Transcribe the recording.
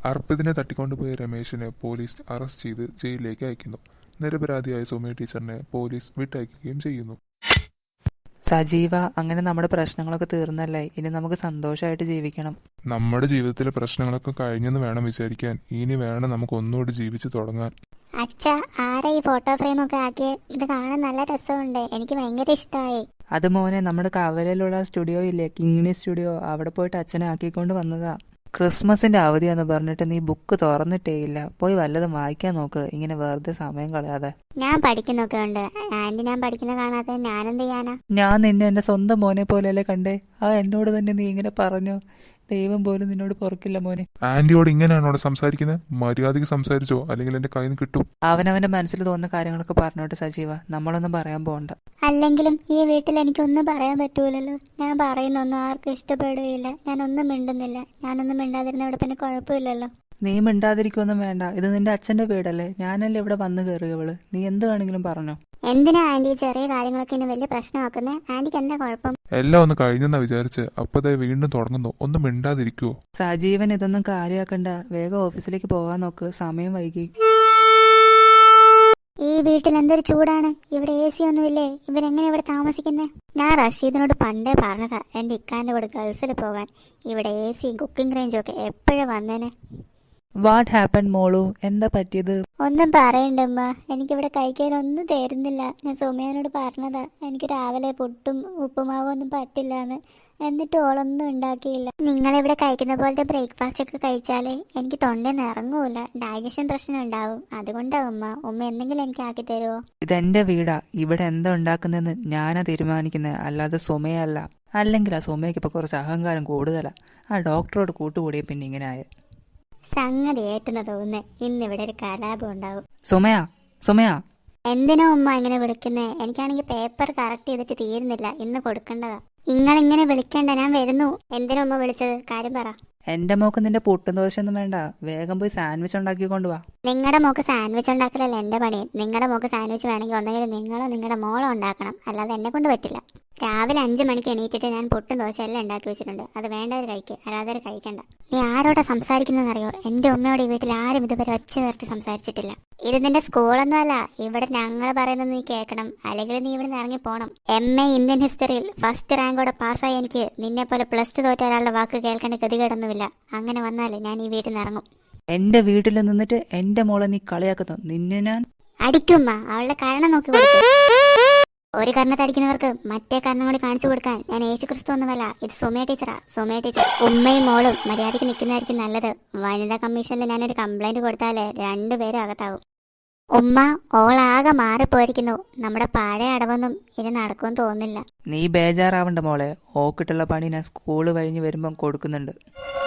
അർപ്പിതിനെ തട്ടിക്കൊണ്ടുപോയ രമേശിനെ police arrest ചെയ്ത് ജയിലിലേക്ക് അയക്കുന്നു. നിരപരാധിയായ സുമയ ടീച്ചറിനെ പോലീസ് വിട്ടയക്കുകയും ചെയ്യുന്നു. സജീവ, അങ്ങനെ നമ്മുടെ പ്രശ്നങ്ങളൊക്കെ തീർന്നല്ലേ? ഇനി നമുക്ക് സന്തോഷമായിട്ട് ജീവിക്കണം. നമ്മുടെ ജീവിതത്തിലെ പ്രശ്നങ്ങളൊക്കെ കഴിഞ്ഞെന്ന് വേണം വിചാരിക്കാൻ. ഇനി വേണം നമുക്ക് ഒന്നുകൂടി ജീവിച്ചു തുടങ്ങാൻ. അച്ഛ, ആരാ ഈ ഫോട്ടോ ഫ്രെയിം ഒക്കെ ആക്കിയ? ഇത് കാണാൻ നല്ല രസമുണ്ട്, എനിക്ക് ഭയങ്കര ഇഷ്ടമായി. അത് മോനെ, നമ്മുടെ കവലയിലുള്ള സ്റ്റുഡിയോ ഇല്ലേ, കിങ്ങിണി സ്റ്റുഡിയോ, അവിടെ പോയിട്ട് അച്ഛനെ ആക്കിക്കൊണ്ട് വന്നതാ. ക്രിസ്മസിന്റെ അവധിയാന്ന് പറഞ്ഞിട്ട് നീ ബുക്ക് തുറന്നിട്ടേ ഇല്ല. പോയി വല്ലതും വായിക്കാൻ നോക്ക്, ഇങ്ങനെ വെറുതെ സമയം കളയാതെ. ഞാൻ പഠിക്കുന്നൊക്കെ ഉണ്ട് ആന്റി, ഞാൻ പഠിക്കുന്ന കാണാതെ ഞാനെന്ത് ചെയ്യാനാ? ഞാൻ നിന്നെ എന്റെ സ്വന്തം മോനെ പോലെയല്ലേ കണ്ടേ? എന്നോട് തന്നെ നീ ഇങ്ങനെ പറഞ്ഞോ? ദൈവം പോലും നിന്നോട് പൊറുക്കില്ല മോനെ. ആന്റിയോട് ഇങ്ങനെയാണോ സംസാരിക്കുന്നത്? മര്യാദയ്ക്ക് സംസാരിച്ചോ, അല്ലെങ്കിൽ എന്റെ കയ്യിൽ നിന്ന് കിട്ടും. അവനവന്റെ മനസ്സിൽ തോന്നുന്ന കാര്യങ്ങളൊക്കെ പറഞ്ഞോട്ട് സജീവ, നമ്മളൊന്നും പറയാൻ പോകണ്ട. അല്ലെങ്കിലും ഈ വീട്ടിൽ എനിക്കൊന്നും പറയാൻ പറ്റൂലല്ലോ. ഞാൻ പറയുന്നൊന്നും ആർക്കും ഇഷ്ടപ്പെടുകയില്ല. ഞാനൊന്നും മിണ്ടുന്നില്ല. ഞാനൊന്നും മിണ്ടാതിരുന്ന ഇവിടെ പിന്നെ കുഴപ്പമില്ലല്ലോ. നീ മിണ്ടാതിരിക്കൊന്നും വേണ്ട, ഇത് നിന്റെ അച്ഛന്റെ വീടല്ലേ. ഞാനല്ലേ ഇവിടെ വന്നു കയറിയവള്. നീ എന്ത് വേണമെങ്കിലും പറഞ്ഞോ. എന്തിനാ ആന്റി ചെറിയ കാര്യങ്ങളൊക്കെ ഇനി വലിയ പ്രശ്നമാക്കുന്നേ? ആന്റിക്ക് എന്താ കുഴപ്പം? എല്ലാം ഒന്ന് കഴിഞ്ഞെന്നാ വിചാരിച്ച് അപ്പതേ വീണ്ടും തുടങ്ങുന്നു. ഒന്നും മിണ്ടാതിരിക്കുവോ? സജീവൻ, ഇതൊന്നും കാര്യമാക്കണ്ട. വേഗം ഓഫീസിലേക്ക് പോകാൻ നോക്ക്, സമയം വൈകി. ഈ വീട്ടിൽ എന്തൊരു ചൂടാണ്. ഇവിടെ AC ഒന്നുമില്ലേ? ഇവരെങ്ങനെ ഇവിടെ താമസിക്കുന്നേ? ഞാൻ റഷീദിനോട് പണ്ടേ പറഞ്ഞതാ എന്റെ ഇക്കാന്റെ കൂടെ ഗൾഫിൽ പോകാൻ. ഇവിടെ AC കുക്കിംഗ് റേഞ്ചും ഒക്കെ എപ്പോഴും വന്നേനെ. വാട്ട് ഹാപ്പൻ മോളു? എന്താ പറ്റിയത്? ഒന്നും പറയണ്ടമ്മ, എനിക്കിവിടെ കഴിക്കാനൊന്നും തരുന്നില്ല. ഞാൻ സുമയോട് പറഞ്ഞതാ എനിക്ക് രാവിലെ പുട്ടും ഉപ്പുമാവും ഒന്നും പറ്റില്ലാന്ന്. എന്നിട്ട് ഓളൊന്നും ഉണ്ടാക്കിയില്ല. നിങ്ങളിവിടെ കഴിക്കുന്ന പോലത്തെ ബ്രേക്ക്ഫാസ്റ്റ് ഒക്കെ കഴിച്ചാലേ എനിക്ക് തൊണ്ടയിൽ ഇറങ്ങൂല, ഡൈജഷൻ പ്രശ്നം ഉണ്ടാവും. അതുകൊണ്ടാവും ഉമ്മ എന്തെങ്കിലും എനിക്ക് ആക്കി തരുമോ? ഇതെന്റെ വീടാ, ഇവിടെ എന്താ ഉണ്ടാക്കുന്നതെന്ന് ഞാനാ തീരുമാനിക്കുന്നത്, അല്ലാതെ സുമയല്ല. അല്ലെങ്കിൽ ആ സുമയ്ക്ക് ഇപ്പൊ കുറച്ച് അഹങ്കാരം കൂടുതലാ. ആ ഡോക്ടറോട് കൂട്ടുകൂടിയ പിന്നെ ഇങ്ങനെ ആയ സംഗതി ഏറ്റുന്ന തോന്നുന്നേ. ഇന്നിവിടെ ഒരു കലാപം ഉണ്ടാവും. സുമയാ, സുമയാ. എന്തിനാ ഉമ്മ ഇങ്ങനെ വിളിക്കുന്നേ? എനിക്കാണെങ്കിൽ പേപ്പർ കറക്റ്റ് ചെയ്തിട്ട് തീരുന്നില്ല, ഇന്ന് കൊടുക്കേണ്ടതാ. ഇങ്ങനെ വിളിക്കണ്ട, ഞാൻ വരുന്നു. എന്തിനാ ഉമ്മ വിളിച്ചത്? കാര്യം പറ. എന്റെ മോക്ക് നിന്റെ പുട്ടും ദോശയൊന്നും വേണ്ട, വേഗം പോയി സാൻഡ്വിച്ച് ഉണ്ടാക്കി കൊണ്ടുവാ. നിങ്ങളുടെ മോക്ക് സാൻഡ്വിച്ച് ഉണ്ടാക്കലല്ല എന്റെ പണി. നിങ്ങളുടെ മോക്ക് സാൻഡ്വിച്ച് വേണമെങ്കിൽ ഒന്നെങ്കിലും നിങ്ങളോ നിങ്ങളുടെ മോളോ ഉണ്ടാക്കണം, അല്ലാതെ എന്നെ കൊണ്ട് പറ്റില്ല. രാവിലെ 5 മണിക്ക് എണീറ്റിട്ട് ഞാൻ പുട്ടും ദോശ എല്ലാം ഉണ്ടാക്കി വെച്ചിട്ടുണ്ട്. അത് വേണ്ടവർ കഴിക്കുക, അല്ലാതെ കഴിക്കണ്ട. നീ ആരോടാ സംസാരിക്കുന്നതെന്നറിയോ? എന്റെ ഉമ്മയോട് ഈ വീട്ടിൽ ആരും ഇതുവരെ ഒച്ച ഉയർത്തി സംസാരിച്ചിട്ടില്ല. ഇത് നിന്റെ സ്കൂളൊന്നും അല്ല. ഇവിടെ ഞങ്ങൾ പറയുന്നത് നീ കേൾക്കണം, അല്ലെങ്കിൽ നീ ഇവിടെ നിന്ന് ഇറങ്ങി പോണം. MA ഇന്ത്യൻ ഹിസ്റ്ററിയിൽ ഫസ്റ്റ് റാങ്കോടെ പാസ്സായി എനിക്ക് നിന്നെ പോലെ +2 തോറ്റ ഒരാളുടെ വാക്ക് കേൾക്കേണ്ട ഗതികേടൊന്നുമില്ല. അങ്ങനെ വന്നാൽ ഞാൻ ഈ വീട്ടിൽ നിന്ന് ഇറങ്ങും. എന്റെ വീട്ടിൽ നിന്നിട്ട് എന്റെ മോളെ നീ കളിയാക്കുന്നു. നിന്നെ ഞാൻ അടിക്കുമ്മ. അവളുടെ കാരണം നോക്കി കൊടുക്കും. ഒരു കാരണത്തടിക്കുന്നവർക്ക് മറ്റേ കാരണം കൂടി കാണിച്ചു കൊടുക്കാൻ ഞാൻ യേശുക്രിസ്തു ഒന്നുമല്ല. ഇത് സുമയ ടീച്ചറാ. സുമയ ടീച്ചർ. ഉമ്മയും മോളും മര്യാദയ്ക്ക് നിൽക്കുന്നതായിരിക്കും നല്ലത്. വനിതാ കമ്മീഷനിൽ ഞാനൊരു കംപ്ലൈന്റ് കൊടുത്താലേ 2 പേരും അകത്താവും. ഉമ്മ, ഓളാകെ മാറിപ്പോയിരിക്കുന്നു. നമ്മുടെ പഴയ അടവൊന്നും ഇനി നടക്കുമെന്ന് തോന്നുന്നില്ല. നീ ബേജാറാവണ്ട മോളെ, ഓക്കിട്ടുള്ള പണി ഞാൻ സ്കൂള് കഴിഞ്ഞ് വരുമ്പം കൊടുക്കുന്നുണ്ട്.